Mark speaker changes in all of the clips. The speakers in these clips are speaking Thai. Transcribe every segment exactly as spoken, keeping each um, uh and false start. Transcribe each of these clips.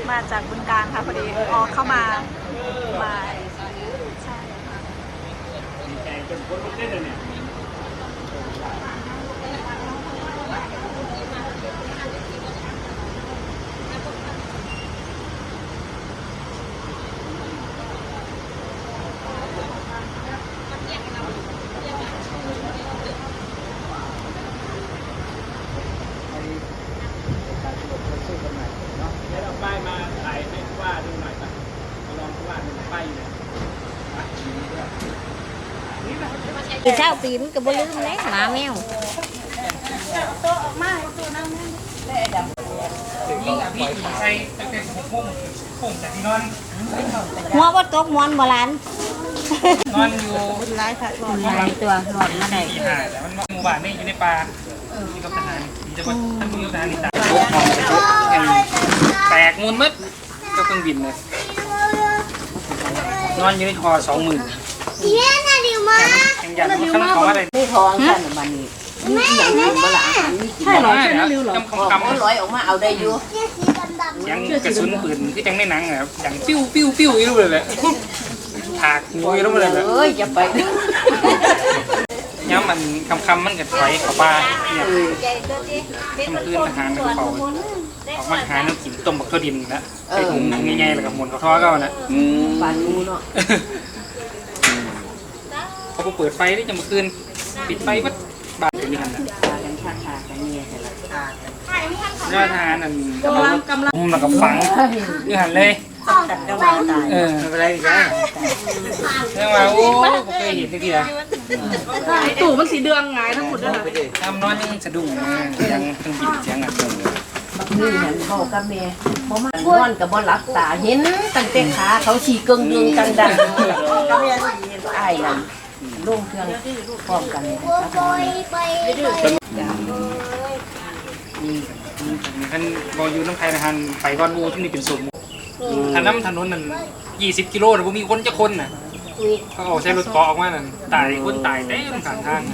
Speaker 1: มาจากบึงกาฬค่ะพอดีออกเข้ามามาใช่ค่ะ
Speaker 2: ดีใจจนคนลุกได้เลยเนี่ยป้ายมาถ่ายให้ว่าดูหน่อยป่ะมาลองว่าดูป้ายอยู่เนี่ย
Speaker 3: ปีเช้าปีมันก็บ่ลืมเลยหมาแมว
Speaker 2: ใช่ตั้งแต่หกโมงผมจากที่นอน
Speaker 3: หัวบ่ตกมอนบ่หลาน
Speaker 2: นอนอยู่
Speaker 3: หลายค่ะหลายตัวหลอดมาได้
Speaker 2: ที่หาแต่มันหมู่บ้านนี่อยู่ในป่าอยู่กับทหารมีจังหวัดท่านผู้อยู่ทหารนี่ตายโอ้ของแตกมูลมัดก็เครื่องบินเลยนอนอยู่ในคอสองหมื่นยังยันข้างของอะไร
Speaker 4: ไม่ท้องกันมันนี่มีอย่างนี้บ่ละอาหารมีกิน
Speaker 2: ใช่หรอใช่นะริวหรอ
Speaker 4: คำคำร้อยออกมาเอาได้อยู่
Speaker 2: ยังกระสุนปืนที่จังในหนังอ่ะอย่างปิ้วปิ้วปิ้วอยู่เลยแหละถากงูอยู่เลยแหละ
Speaker 4: เอ้ยอย่าไป
Speaker 2: ย้ำมันคำคำมันก็ถอยเข้าป่าเนี่ยทำคืนทหารมันเขาออกมาหาน้ำกินต้มบักทั่วดินนะใส่ถุงง่ายๆแล้วก็หมุนเขาท่อก็นะ
Speaker 4: ปานงูเนาะ
Speaker 2: เขาเปิดไฟได้จะมาคืนปิดไฟวัดบาดอยู่นี่กันนะ
Speaker 4: พากันฆ่าฆ่ากันเนี่ยแต่ละฆ่ากัน
Speaker 2: ยอดทหารนั่นกำลังกำลังแล้วก็ฝังอยู่หันเลย
Speaker 4: ตัดกำลังตาย
Speaker 2: เออไม่เป็นไรอีกแล้วเรื่องว่าโอ้ผมเคยเห็นทีละ
Speaker 1: ตู่มันสีเดืองไงทั้งหมดเลย
Speaker 2: ทำนอนยังสะดุ้งเสียงเครื่องบินเสียงอ่ะ
Speaker 4: บักนี่หันพ่อกับแม่บ่มานอนกับบ่หลับตาเห็นตั้งแต่ขาเขาฉีกเกิงดึงกันดังกับแม่อ้ายนั่นลงเครื่องพร้อมกัน
Speaker 2: ท่านบออยู่น้ำไทยนะฮันไปก้อนบูที่นี่เป็นสมถนนถนนนั่นยี่สิบกิโลนะผมมีคนจะคนน่ะเขาออกใช้รถเกาะออกมานั่นตายคนตายเต็มข้างทาง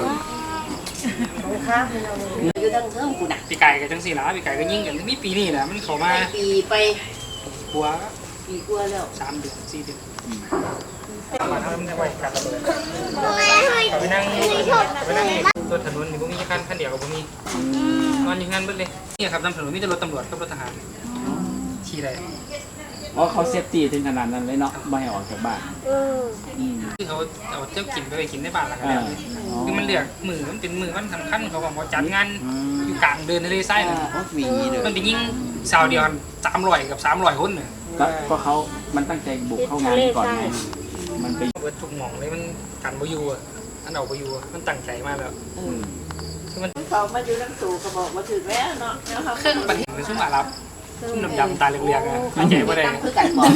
Speaker 4: อยู่ทั้งเทิงกูน่ะ
Speaker 2: ปีไก่กับจังสีหลาปีไก่ก็ยิ่งกันมีปีนี้แหละมันเข้ามา
Speaker 4: ปีไป
Speaker 2: หัว
Speaker 4: ปีกว่าแล้ว
Speaker 2: สามเดือนสี่เดือนมาทำได้ไวกันระเบิดไปนั่งไปนั่งรถถนนนี่ผมมีแค่คันเดียวกับผมมีนอนอย่างนั้นเบิดเลยนี่ครับนำถนนมีแต่รถตำรวจกับรถทหารขี่ได้
Speaker 5: อ๋อเขาเซฟตี้ถึงขนาดนั้นเลยเนาะไม่ให้ออกจากบ้านอืม
Speaker 2: คือเขาเอาเจ้ากินไปกินในบ้านละกันแล้วคือมันเลือกมือมันเป็นมือมันสำคัญเขาบอกว่าจัดงานอยู่กลางเดินทะเลทรายมันเป็นยิ่งสาวเดียวสามร้อยกับสามร้อยคนเนี่ย
Speaker 5: ก็เขามันตั้งใจบุกเข้างานก่อนไงมันไป
Speaker 2: เบิดทุกหม่องเลยมันกันบอยู่อ่ะอันเอาบอยู่มันตั้งใจมากแล้วคือมัน
Speaker 4: เขามาอยู่น้ำตู่ก็บอกมาถึงแล้วเนาะ
Speaker 2: เครื่องปันเป็นซุ้มอารับซุ้มดำดำตาเหลืองๆอ่ะไม่ใจว่าได้
Speaker 4: คือกันบอก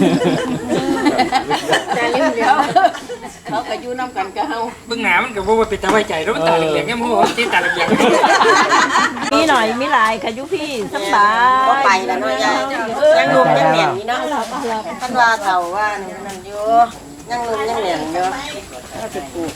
Speaker 4: แต่เรื่องเดียวเขาก็อยู่น้ำกันก็เฮา
Speaker 2: เบื้องหน้ามันก็บอกว่าเป็นตาไว้ใจแล้วมันตาเหลืองๆเนี่ยมันบอกว่าที่ตาเหลือง
Speaker 1: มีหน่อยมีหลายค่ะยุพี่สบาย
Speaker 4: ก็ไปแล้วเนาะยายยังหนุ่มยังเหนียงนี่เนาะคันว่าเฒ่าว่านั่นอยู่ยังหนุ่มยังเหนียงอยู่ก็จะปลูก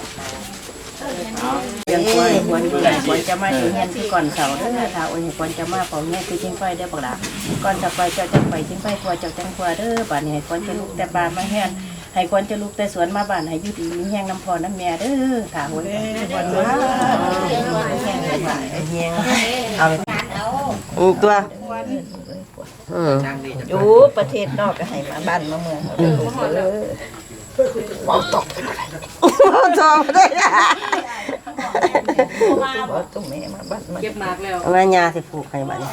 Speaker 4: ยังควรควรควรจะมาอยู่เฮียนที่ก่อนเสาเด้อถ้าโอ้ยควรจะมาเฝ้าเฮียนคือจิงไฟได้อบักล่ะก่อนจะไปเจ้าจังไปจิงไฟกลัวเจ้าจังกลัวเด้อบัดนี้ให้ควรจะลุกแต่บ้านมาเฮียนให้ควรจะลุกแต่สวนมาบ้านให้อยู่ดีมีแห้งน้ำพอน้ำแม่เด้อถ้าโอ้ยควรมาแห้งให้บ้านให้แห้งเอาอือตัวอืออยู่ประเทศนอกก็ให้มาบ้านมาเมืองเด้อมองตกเป็นอะไรมองตกได้บ่ต้องแม่มาบ้านมาเก็บมากแล้วแม่ยาสิปลูกให้บ้าน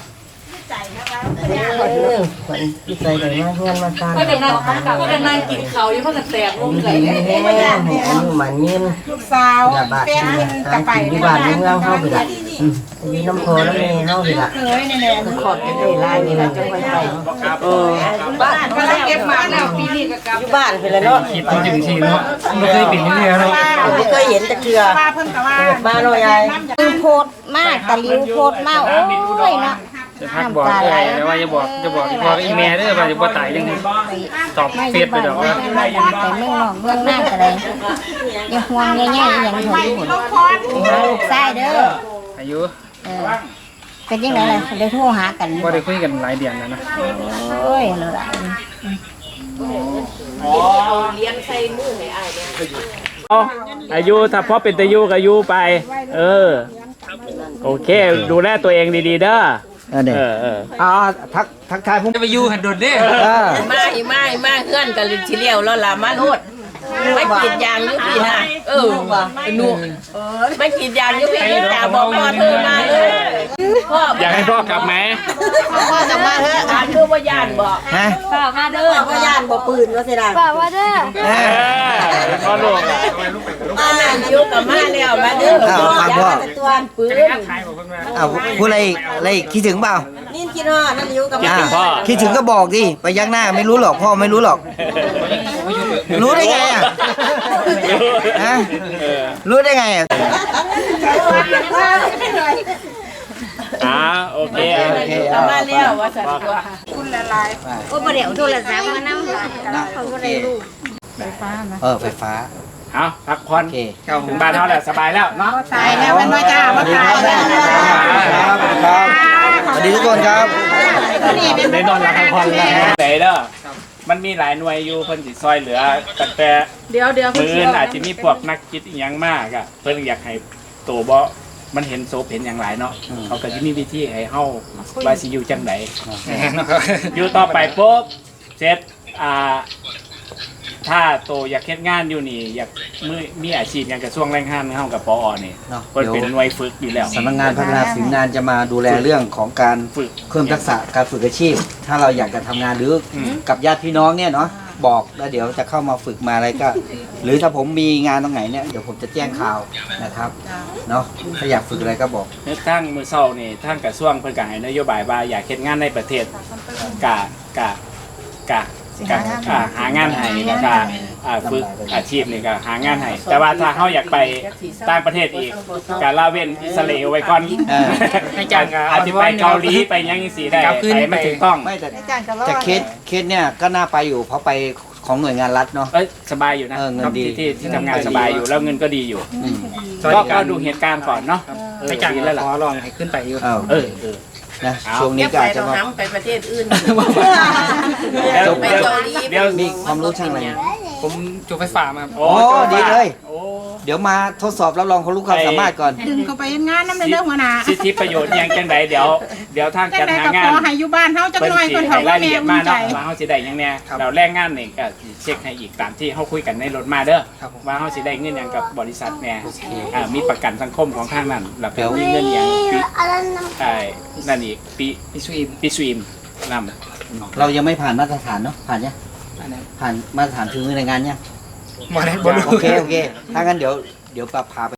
Speaker 4: เออคนที่ใจได้มาเงินมาสร้างก็ได้นั่งก็ได้นั่งกินข้าวอยู่เพิ่นก็แตกลงเลยแม่ให้อายุมันยืนลูกสาวเป็นกะไปที่บ้านเมืองเฮาพี่ล่ะอยู่น้ำโพแล้วแม่เฮาพี่ล่ะคือขอดกันได้หลายนี่ล่ะจังไว้ไปเออบ้านก็เก็บมาแล้วปีนี้ก็กลับอยู่บ้านเพิ่นแล้วเนาะ
Speaker 2: คิดมันถึงทีเนาะไม่เคยเป็นอย่างนี้เนาะ
Speaker 4: ไม่เคยเห็นแต่เทื่อมาเนาะยาย
Speaker 3: คือโพดมากตะลิวโพดมากโอ้ยเนาะ
Speaker 2: จะพักบอกเลยแต่ว่าจะบอกจะบอกพ่อกับอีแม่เด้อว่าจะบ่ตายจังตอบเฟซไปดอกว่า
Speaker 3: ไปเมืองนอกเมืองหน้าอะไรอย่าห่วงง่ายๆอย่างถอยหุ่นหาลูกไส้เด้อ
Speaker 2: อายุ
Speaker 3: เออเป็นยังไงล่ะได้โทรหากัน
Speaker 2: บ่ได้คุยกันหลายเดือนแล้วนะ
Speaker 3: โอ้ยเลยล่ะ
Speaker 5: เอาอายุถ้าพ่อเป็นตะยุก็อายุไป เออ โอเค ดูแลตัวเองดีๆเด้อ
Speaker 6: เออเนี่ย
Speaker 5: เออเออ
Speaker 6: อ่าทักทักทายผม
Speaker 2: จะไปอยู่หันโดดเด้
Speaker 6: เออ
Speaker 4: มาอีมาอีมาเฮือนกันลิทีเดียวแล้วล่ะมาโลดไม่กินยางอยู่พี่น่ะเออหนูไม่กินยางอยู่พี่จ๋าบอกพ่อเธอมาเลยพ่อ
Speaker 5: อยากให้พ่อกลับไหม
Speaker 4: พ่อจะมาเถอะอ่านคือว่าย่านบอก
Speaker 6: ฮะ
Speaker 4: มาเด้อว่าย่านบ่ปืนว่าสิล่ะ
Speaker 3: ป้าว่าเด้อ
Speaker 6: เอ
Speaker 5: เอ
Speaker 6: อ
Speaker 5: อพ่อลูก
Speaker 4: มานั่นอยู่กับมาแล้วมาเด้อ
Speaker 6: อ้าวฟังพ่อ
Speaker 4: ตัวปืน
Speaker 2: ขายบอกเพิ่นว่า
Speaker 6: อ้าวพูดอะไรอีกอะไรอีกคิดถึงเปล่า
Speaker 4: นี่กินฮอดนั่นอยู่กับ
Speaker 5: คิด
Speaker 4: มา
Speaker 5: ถึงพ่อ
Speaker 6: คิดถึงก็บอกดิไปยักหน้าไม่รู้หรอกพ่อไม่รู้หรอก รู้ได้ไงอ่ะฮะ
Speaker 5: เออ
Speaker 6: รู้ได้ไงอ่ะ
Speaker 5: อ่าโอเค
Speaker 6: โอเค
Speaker 4: กับมาแล้วว่าสันตัว
Speaker 3: โอ้บ่ได้เอาโทรศัพท์มานำเขาบ่ได้รู้
Speaker 6: เออไฟฟ้า
Speaker 5: เอาพักผ่อน
Speaker 6: โอเค
Speaker 5: ถึงบ้านเขาแล้วสบายแล้วเนาะ
Speaker 1: ตายแล้วเป็นว่าจ้า
Speaker 6: สวัสดีครับครับครับสวัสดีทุกคนครับ
Speaker 5: ได้นอนหลับพักผ่อนแล้วไหนเด้อมันมีหลายหน่วยอยู่เพิ่นสิซอยเหลือตั้งแต่
Speaker 1: เดี๋ยวเดี๋ยว
Speaker 5: มืออื่นอาจจะมีพวกนักจิตอีหยังมากอะเพิ่นอยากให้ตัวบ่มันเห็นโซเห็นอย่างหลายเนาะเขาก็จะมีวิธีให้เฮาว่าสิอยู่จังไดอยู่ต่อไปปุ๊บเสร็จอ่าถ้าโตอยากเฮ็ดงานอยู่นี่อยากมือมีอาชีพอย่างกระทรวงแรงงานเฮากับปอนี่
Speaker 6: เนาะ
Speaker 5: เพิ่น
Speaker 6: เดี๋ยว
Speaker 5: เป็นหน่วยฝึกอยู่แล้ว
Speaker 6: สำนักงานพัฒนาฝีมืองานจะมาดูแลเรื่องของการ
Speaker 5: ฝึก
Speaker 6: เพิ่มทักษะการฝึกอาชีพ ถ้าเราอยากจะทำงานหรืออ
Speaker 5: ม
Speaker 6: กับญาติพี่น้องเนี่ยเนาะบอกแล้วเดี๋ยวจะเข้ามาฝึกมาอะไรก็ หรือถ้าผมมีงานตรงไหนเนี่ยเดี๋ยวผมจะแจ้งข่าวนะครับเนาะถ้าอยากฝึกอะไรก็บอก
Speaker 5: เฮ็ดทางมื้อเช้านี่ทางกระทรวงเพิ่นก็ให้นโยบายว่าอยากเฮ็ดงานในประเทศกะกะกะกะอ่าหางานให้แล้วก็อ่าฝึกอาชีพนี่ก็หางานให้แต่ว่าถ้าเฮาอยากไปต่างประเทศอีกก็ละเว้นอิสราเอลไว้ก่อน
Speaker 6: เออ
Speaker 2: ให้จ้างก็
Speaker 5: อาจจะไปเกาหลีไปหยังจังซี่ได้
Speaker 2: กลับคืน
Speaker 5: ไปมันถูกต้อง
Speaker 6: ไม่แต่แต่เคสเคสเนี่ยก็น่าไปอยู่เพราะไปของหน่วยงานรัฐเนาะ
Speaker 5: เอ้ยสบายอยู่นะ
Speaker 6: เออเงินดี
Speaker 5: ที่ที่ที่ทำงานสบายอยู่แล้วเงินก็ดีอยู่
Speaker 6: อืม
Speaker 5: ก็ก็ดูเหตุการณ์ก่อนเนาะเออ
Speaker 2: ไปจ้าง
Speaker 5: ดีแล้วล่ะ
Speaker 2: ขอลองให้ขึ้นไปอยู่
Speaker 6: เออ
Speaker 5: เออเออ
Speaker 6: นะ
Speaker 5: เอา
Speaker 6: ช่วงนี้
Speaker 4: เดี๋ยว
Speaker 6: ก็
Speaker 4: ไป
Speaker 6: อาจจะ
Speaker 4: เรา
Speaker 6: มา
Speaker 4: หำไปประเทศอื่น
Speaker 5: เดี๋ยว
Speaker 4: ไป
Speaker 5: เดี๋ยว
Speaker 4: เกาหลี
Speaker 5: เดี๋ยว
Speaker 6: มีความรู้ช่างอะไรเนี่ย
Speaker 2: ผมจบไฟฟ้ามา
Speaker 5: โอ้
Speaker 6: โอ้ดีเลย
Speaker 5: โอ้
Speaker 6: เดี๋ยวมาทดสอบรับรองความรู้ความสามารถก่อน
Speaker 1: ดึงเขาไปงานน้ำในเรื่องหัวหน้า
Speaker 5: สิทธิประโยชน์หยังจังไดเดี๋ยวเดี๋ยวทาง
Speaker 1: จั
Speaker 5: จั
Speaker 1: ง
Speaker 5: ด
Speaker 1: ได
Speaker 5: หา
Speaker 1: ก็
Speaker 5: งา
Speaker 1: ข
Speaker 5: น
Speaker 1: อให้อยู่บ้านเฮาจัก
Speaker 5: เพิ่น
Speaker 1: หน่อย
Speaker 5: สิ
Speaker 1: เพิ่น
Speaker 5: ให้
Speaker 1: เขา
Speaker 5: รา
Speaker 1: ว่าย
Speaker 5: ละ
Speaker 1: แม่
Speaker 5: เอียด
Speaker 1: อุ่
Speaker 5: มาน
Speaker 1: ใจ
Speaker 5: เนาะว่าเฮาสิได้หยังแน่เราแรงงานนี่ก็สิเช็คให้อีกตามที่เฮาคุยกันในรถมาเด้อว่าเฮาสิได้เงินหยังกับบริษัทแน่อ่ามีประกันสังคมของทางนั้นแล้วก็มีเงินหยังปีไอ้นั่นอีกปี
Speaker 2: พี่สุอิม
Speaker 5: ปีสวีมนำ
Speaker 6: เรายังไม่ผ่านมาตรฐานเนาะผ่านยัง
Speaker 2: อันนั้น
Speaker 6: ผ่านมาตรฐานถึงมือในงานยัง
Speaker 2: บ่ได้บ่รู้
Speaker 6: โอเคโอเคถ้างั้นเดี๋ยวเดี๋ยวปรับพาไป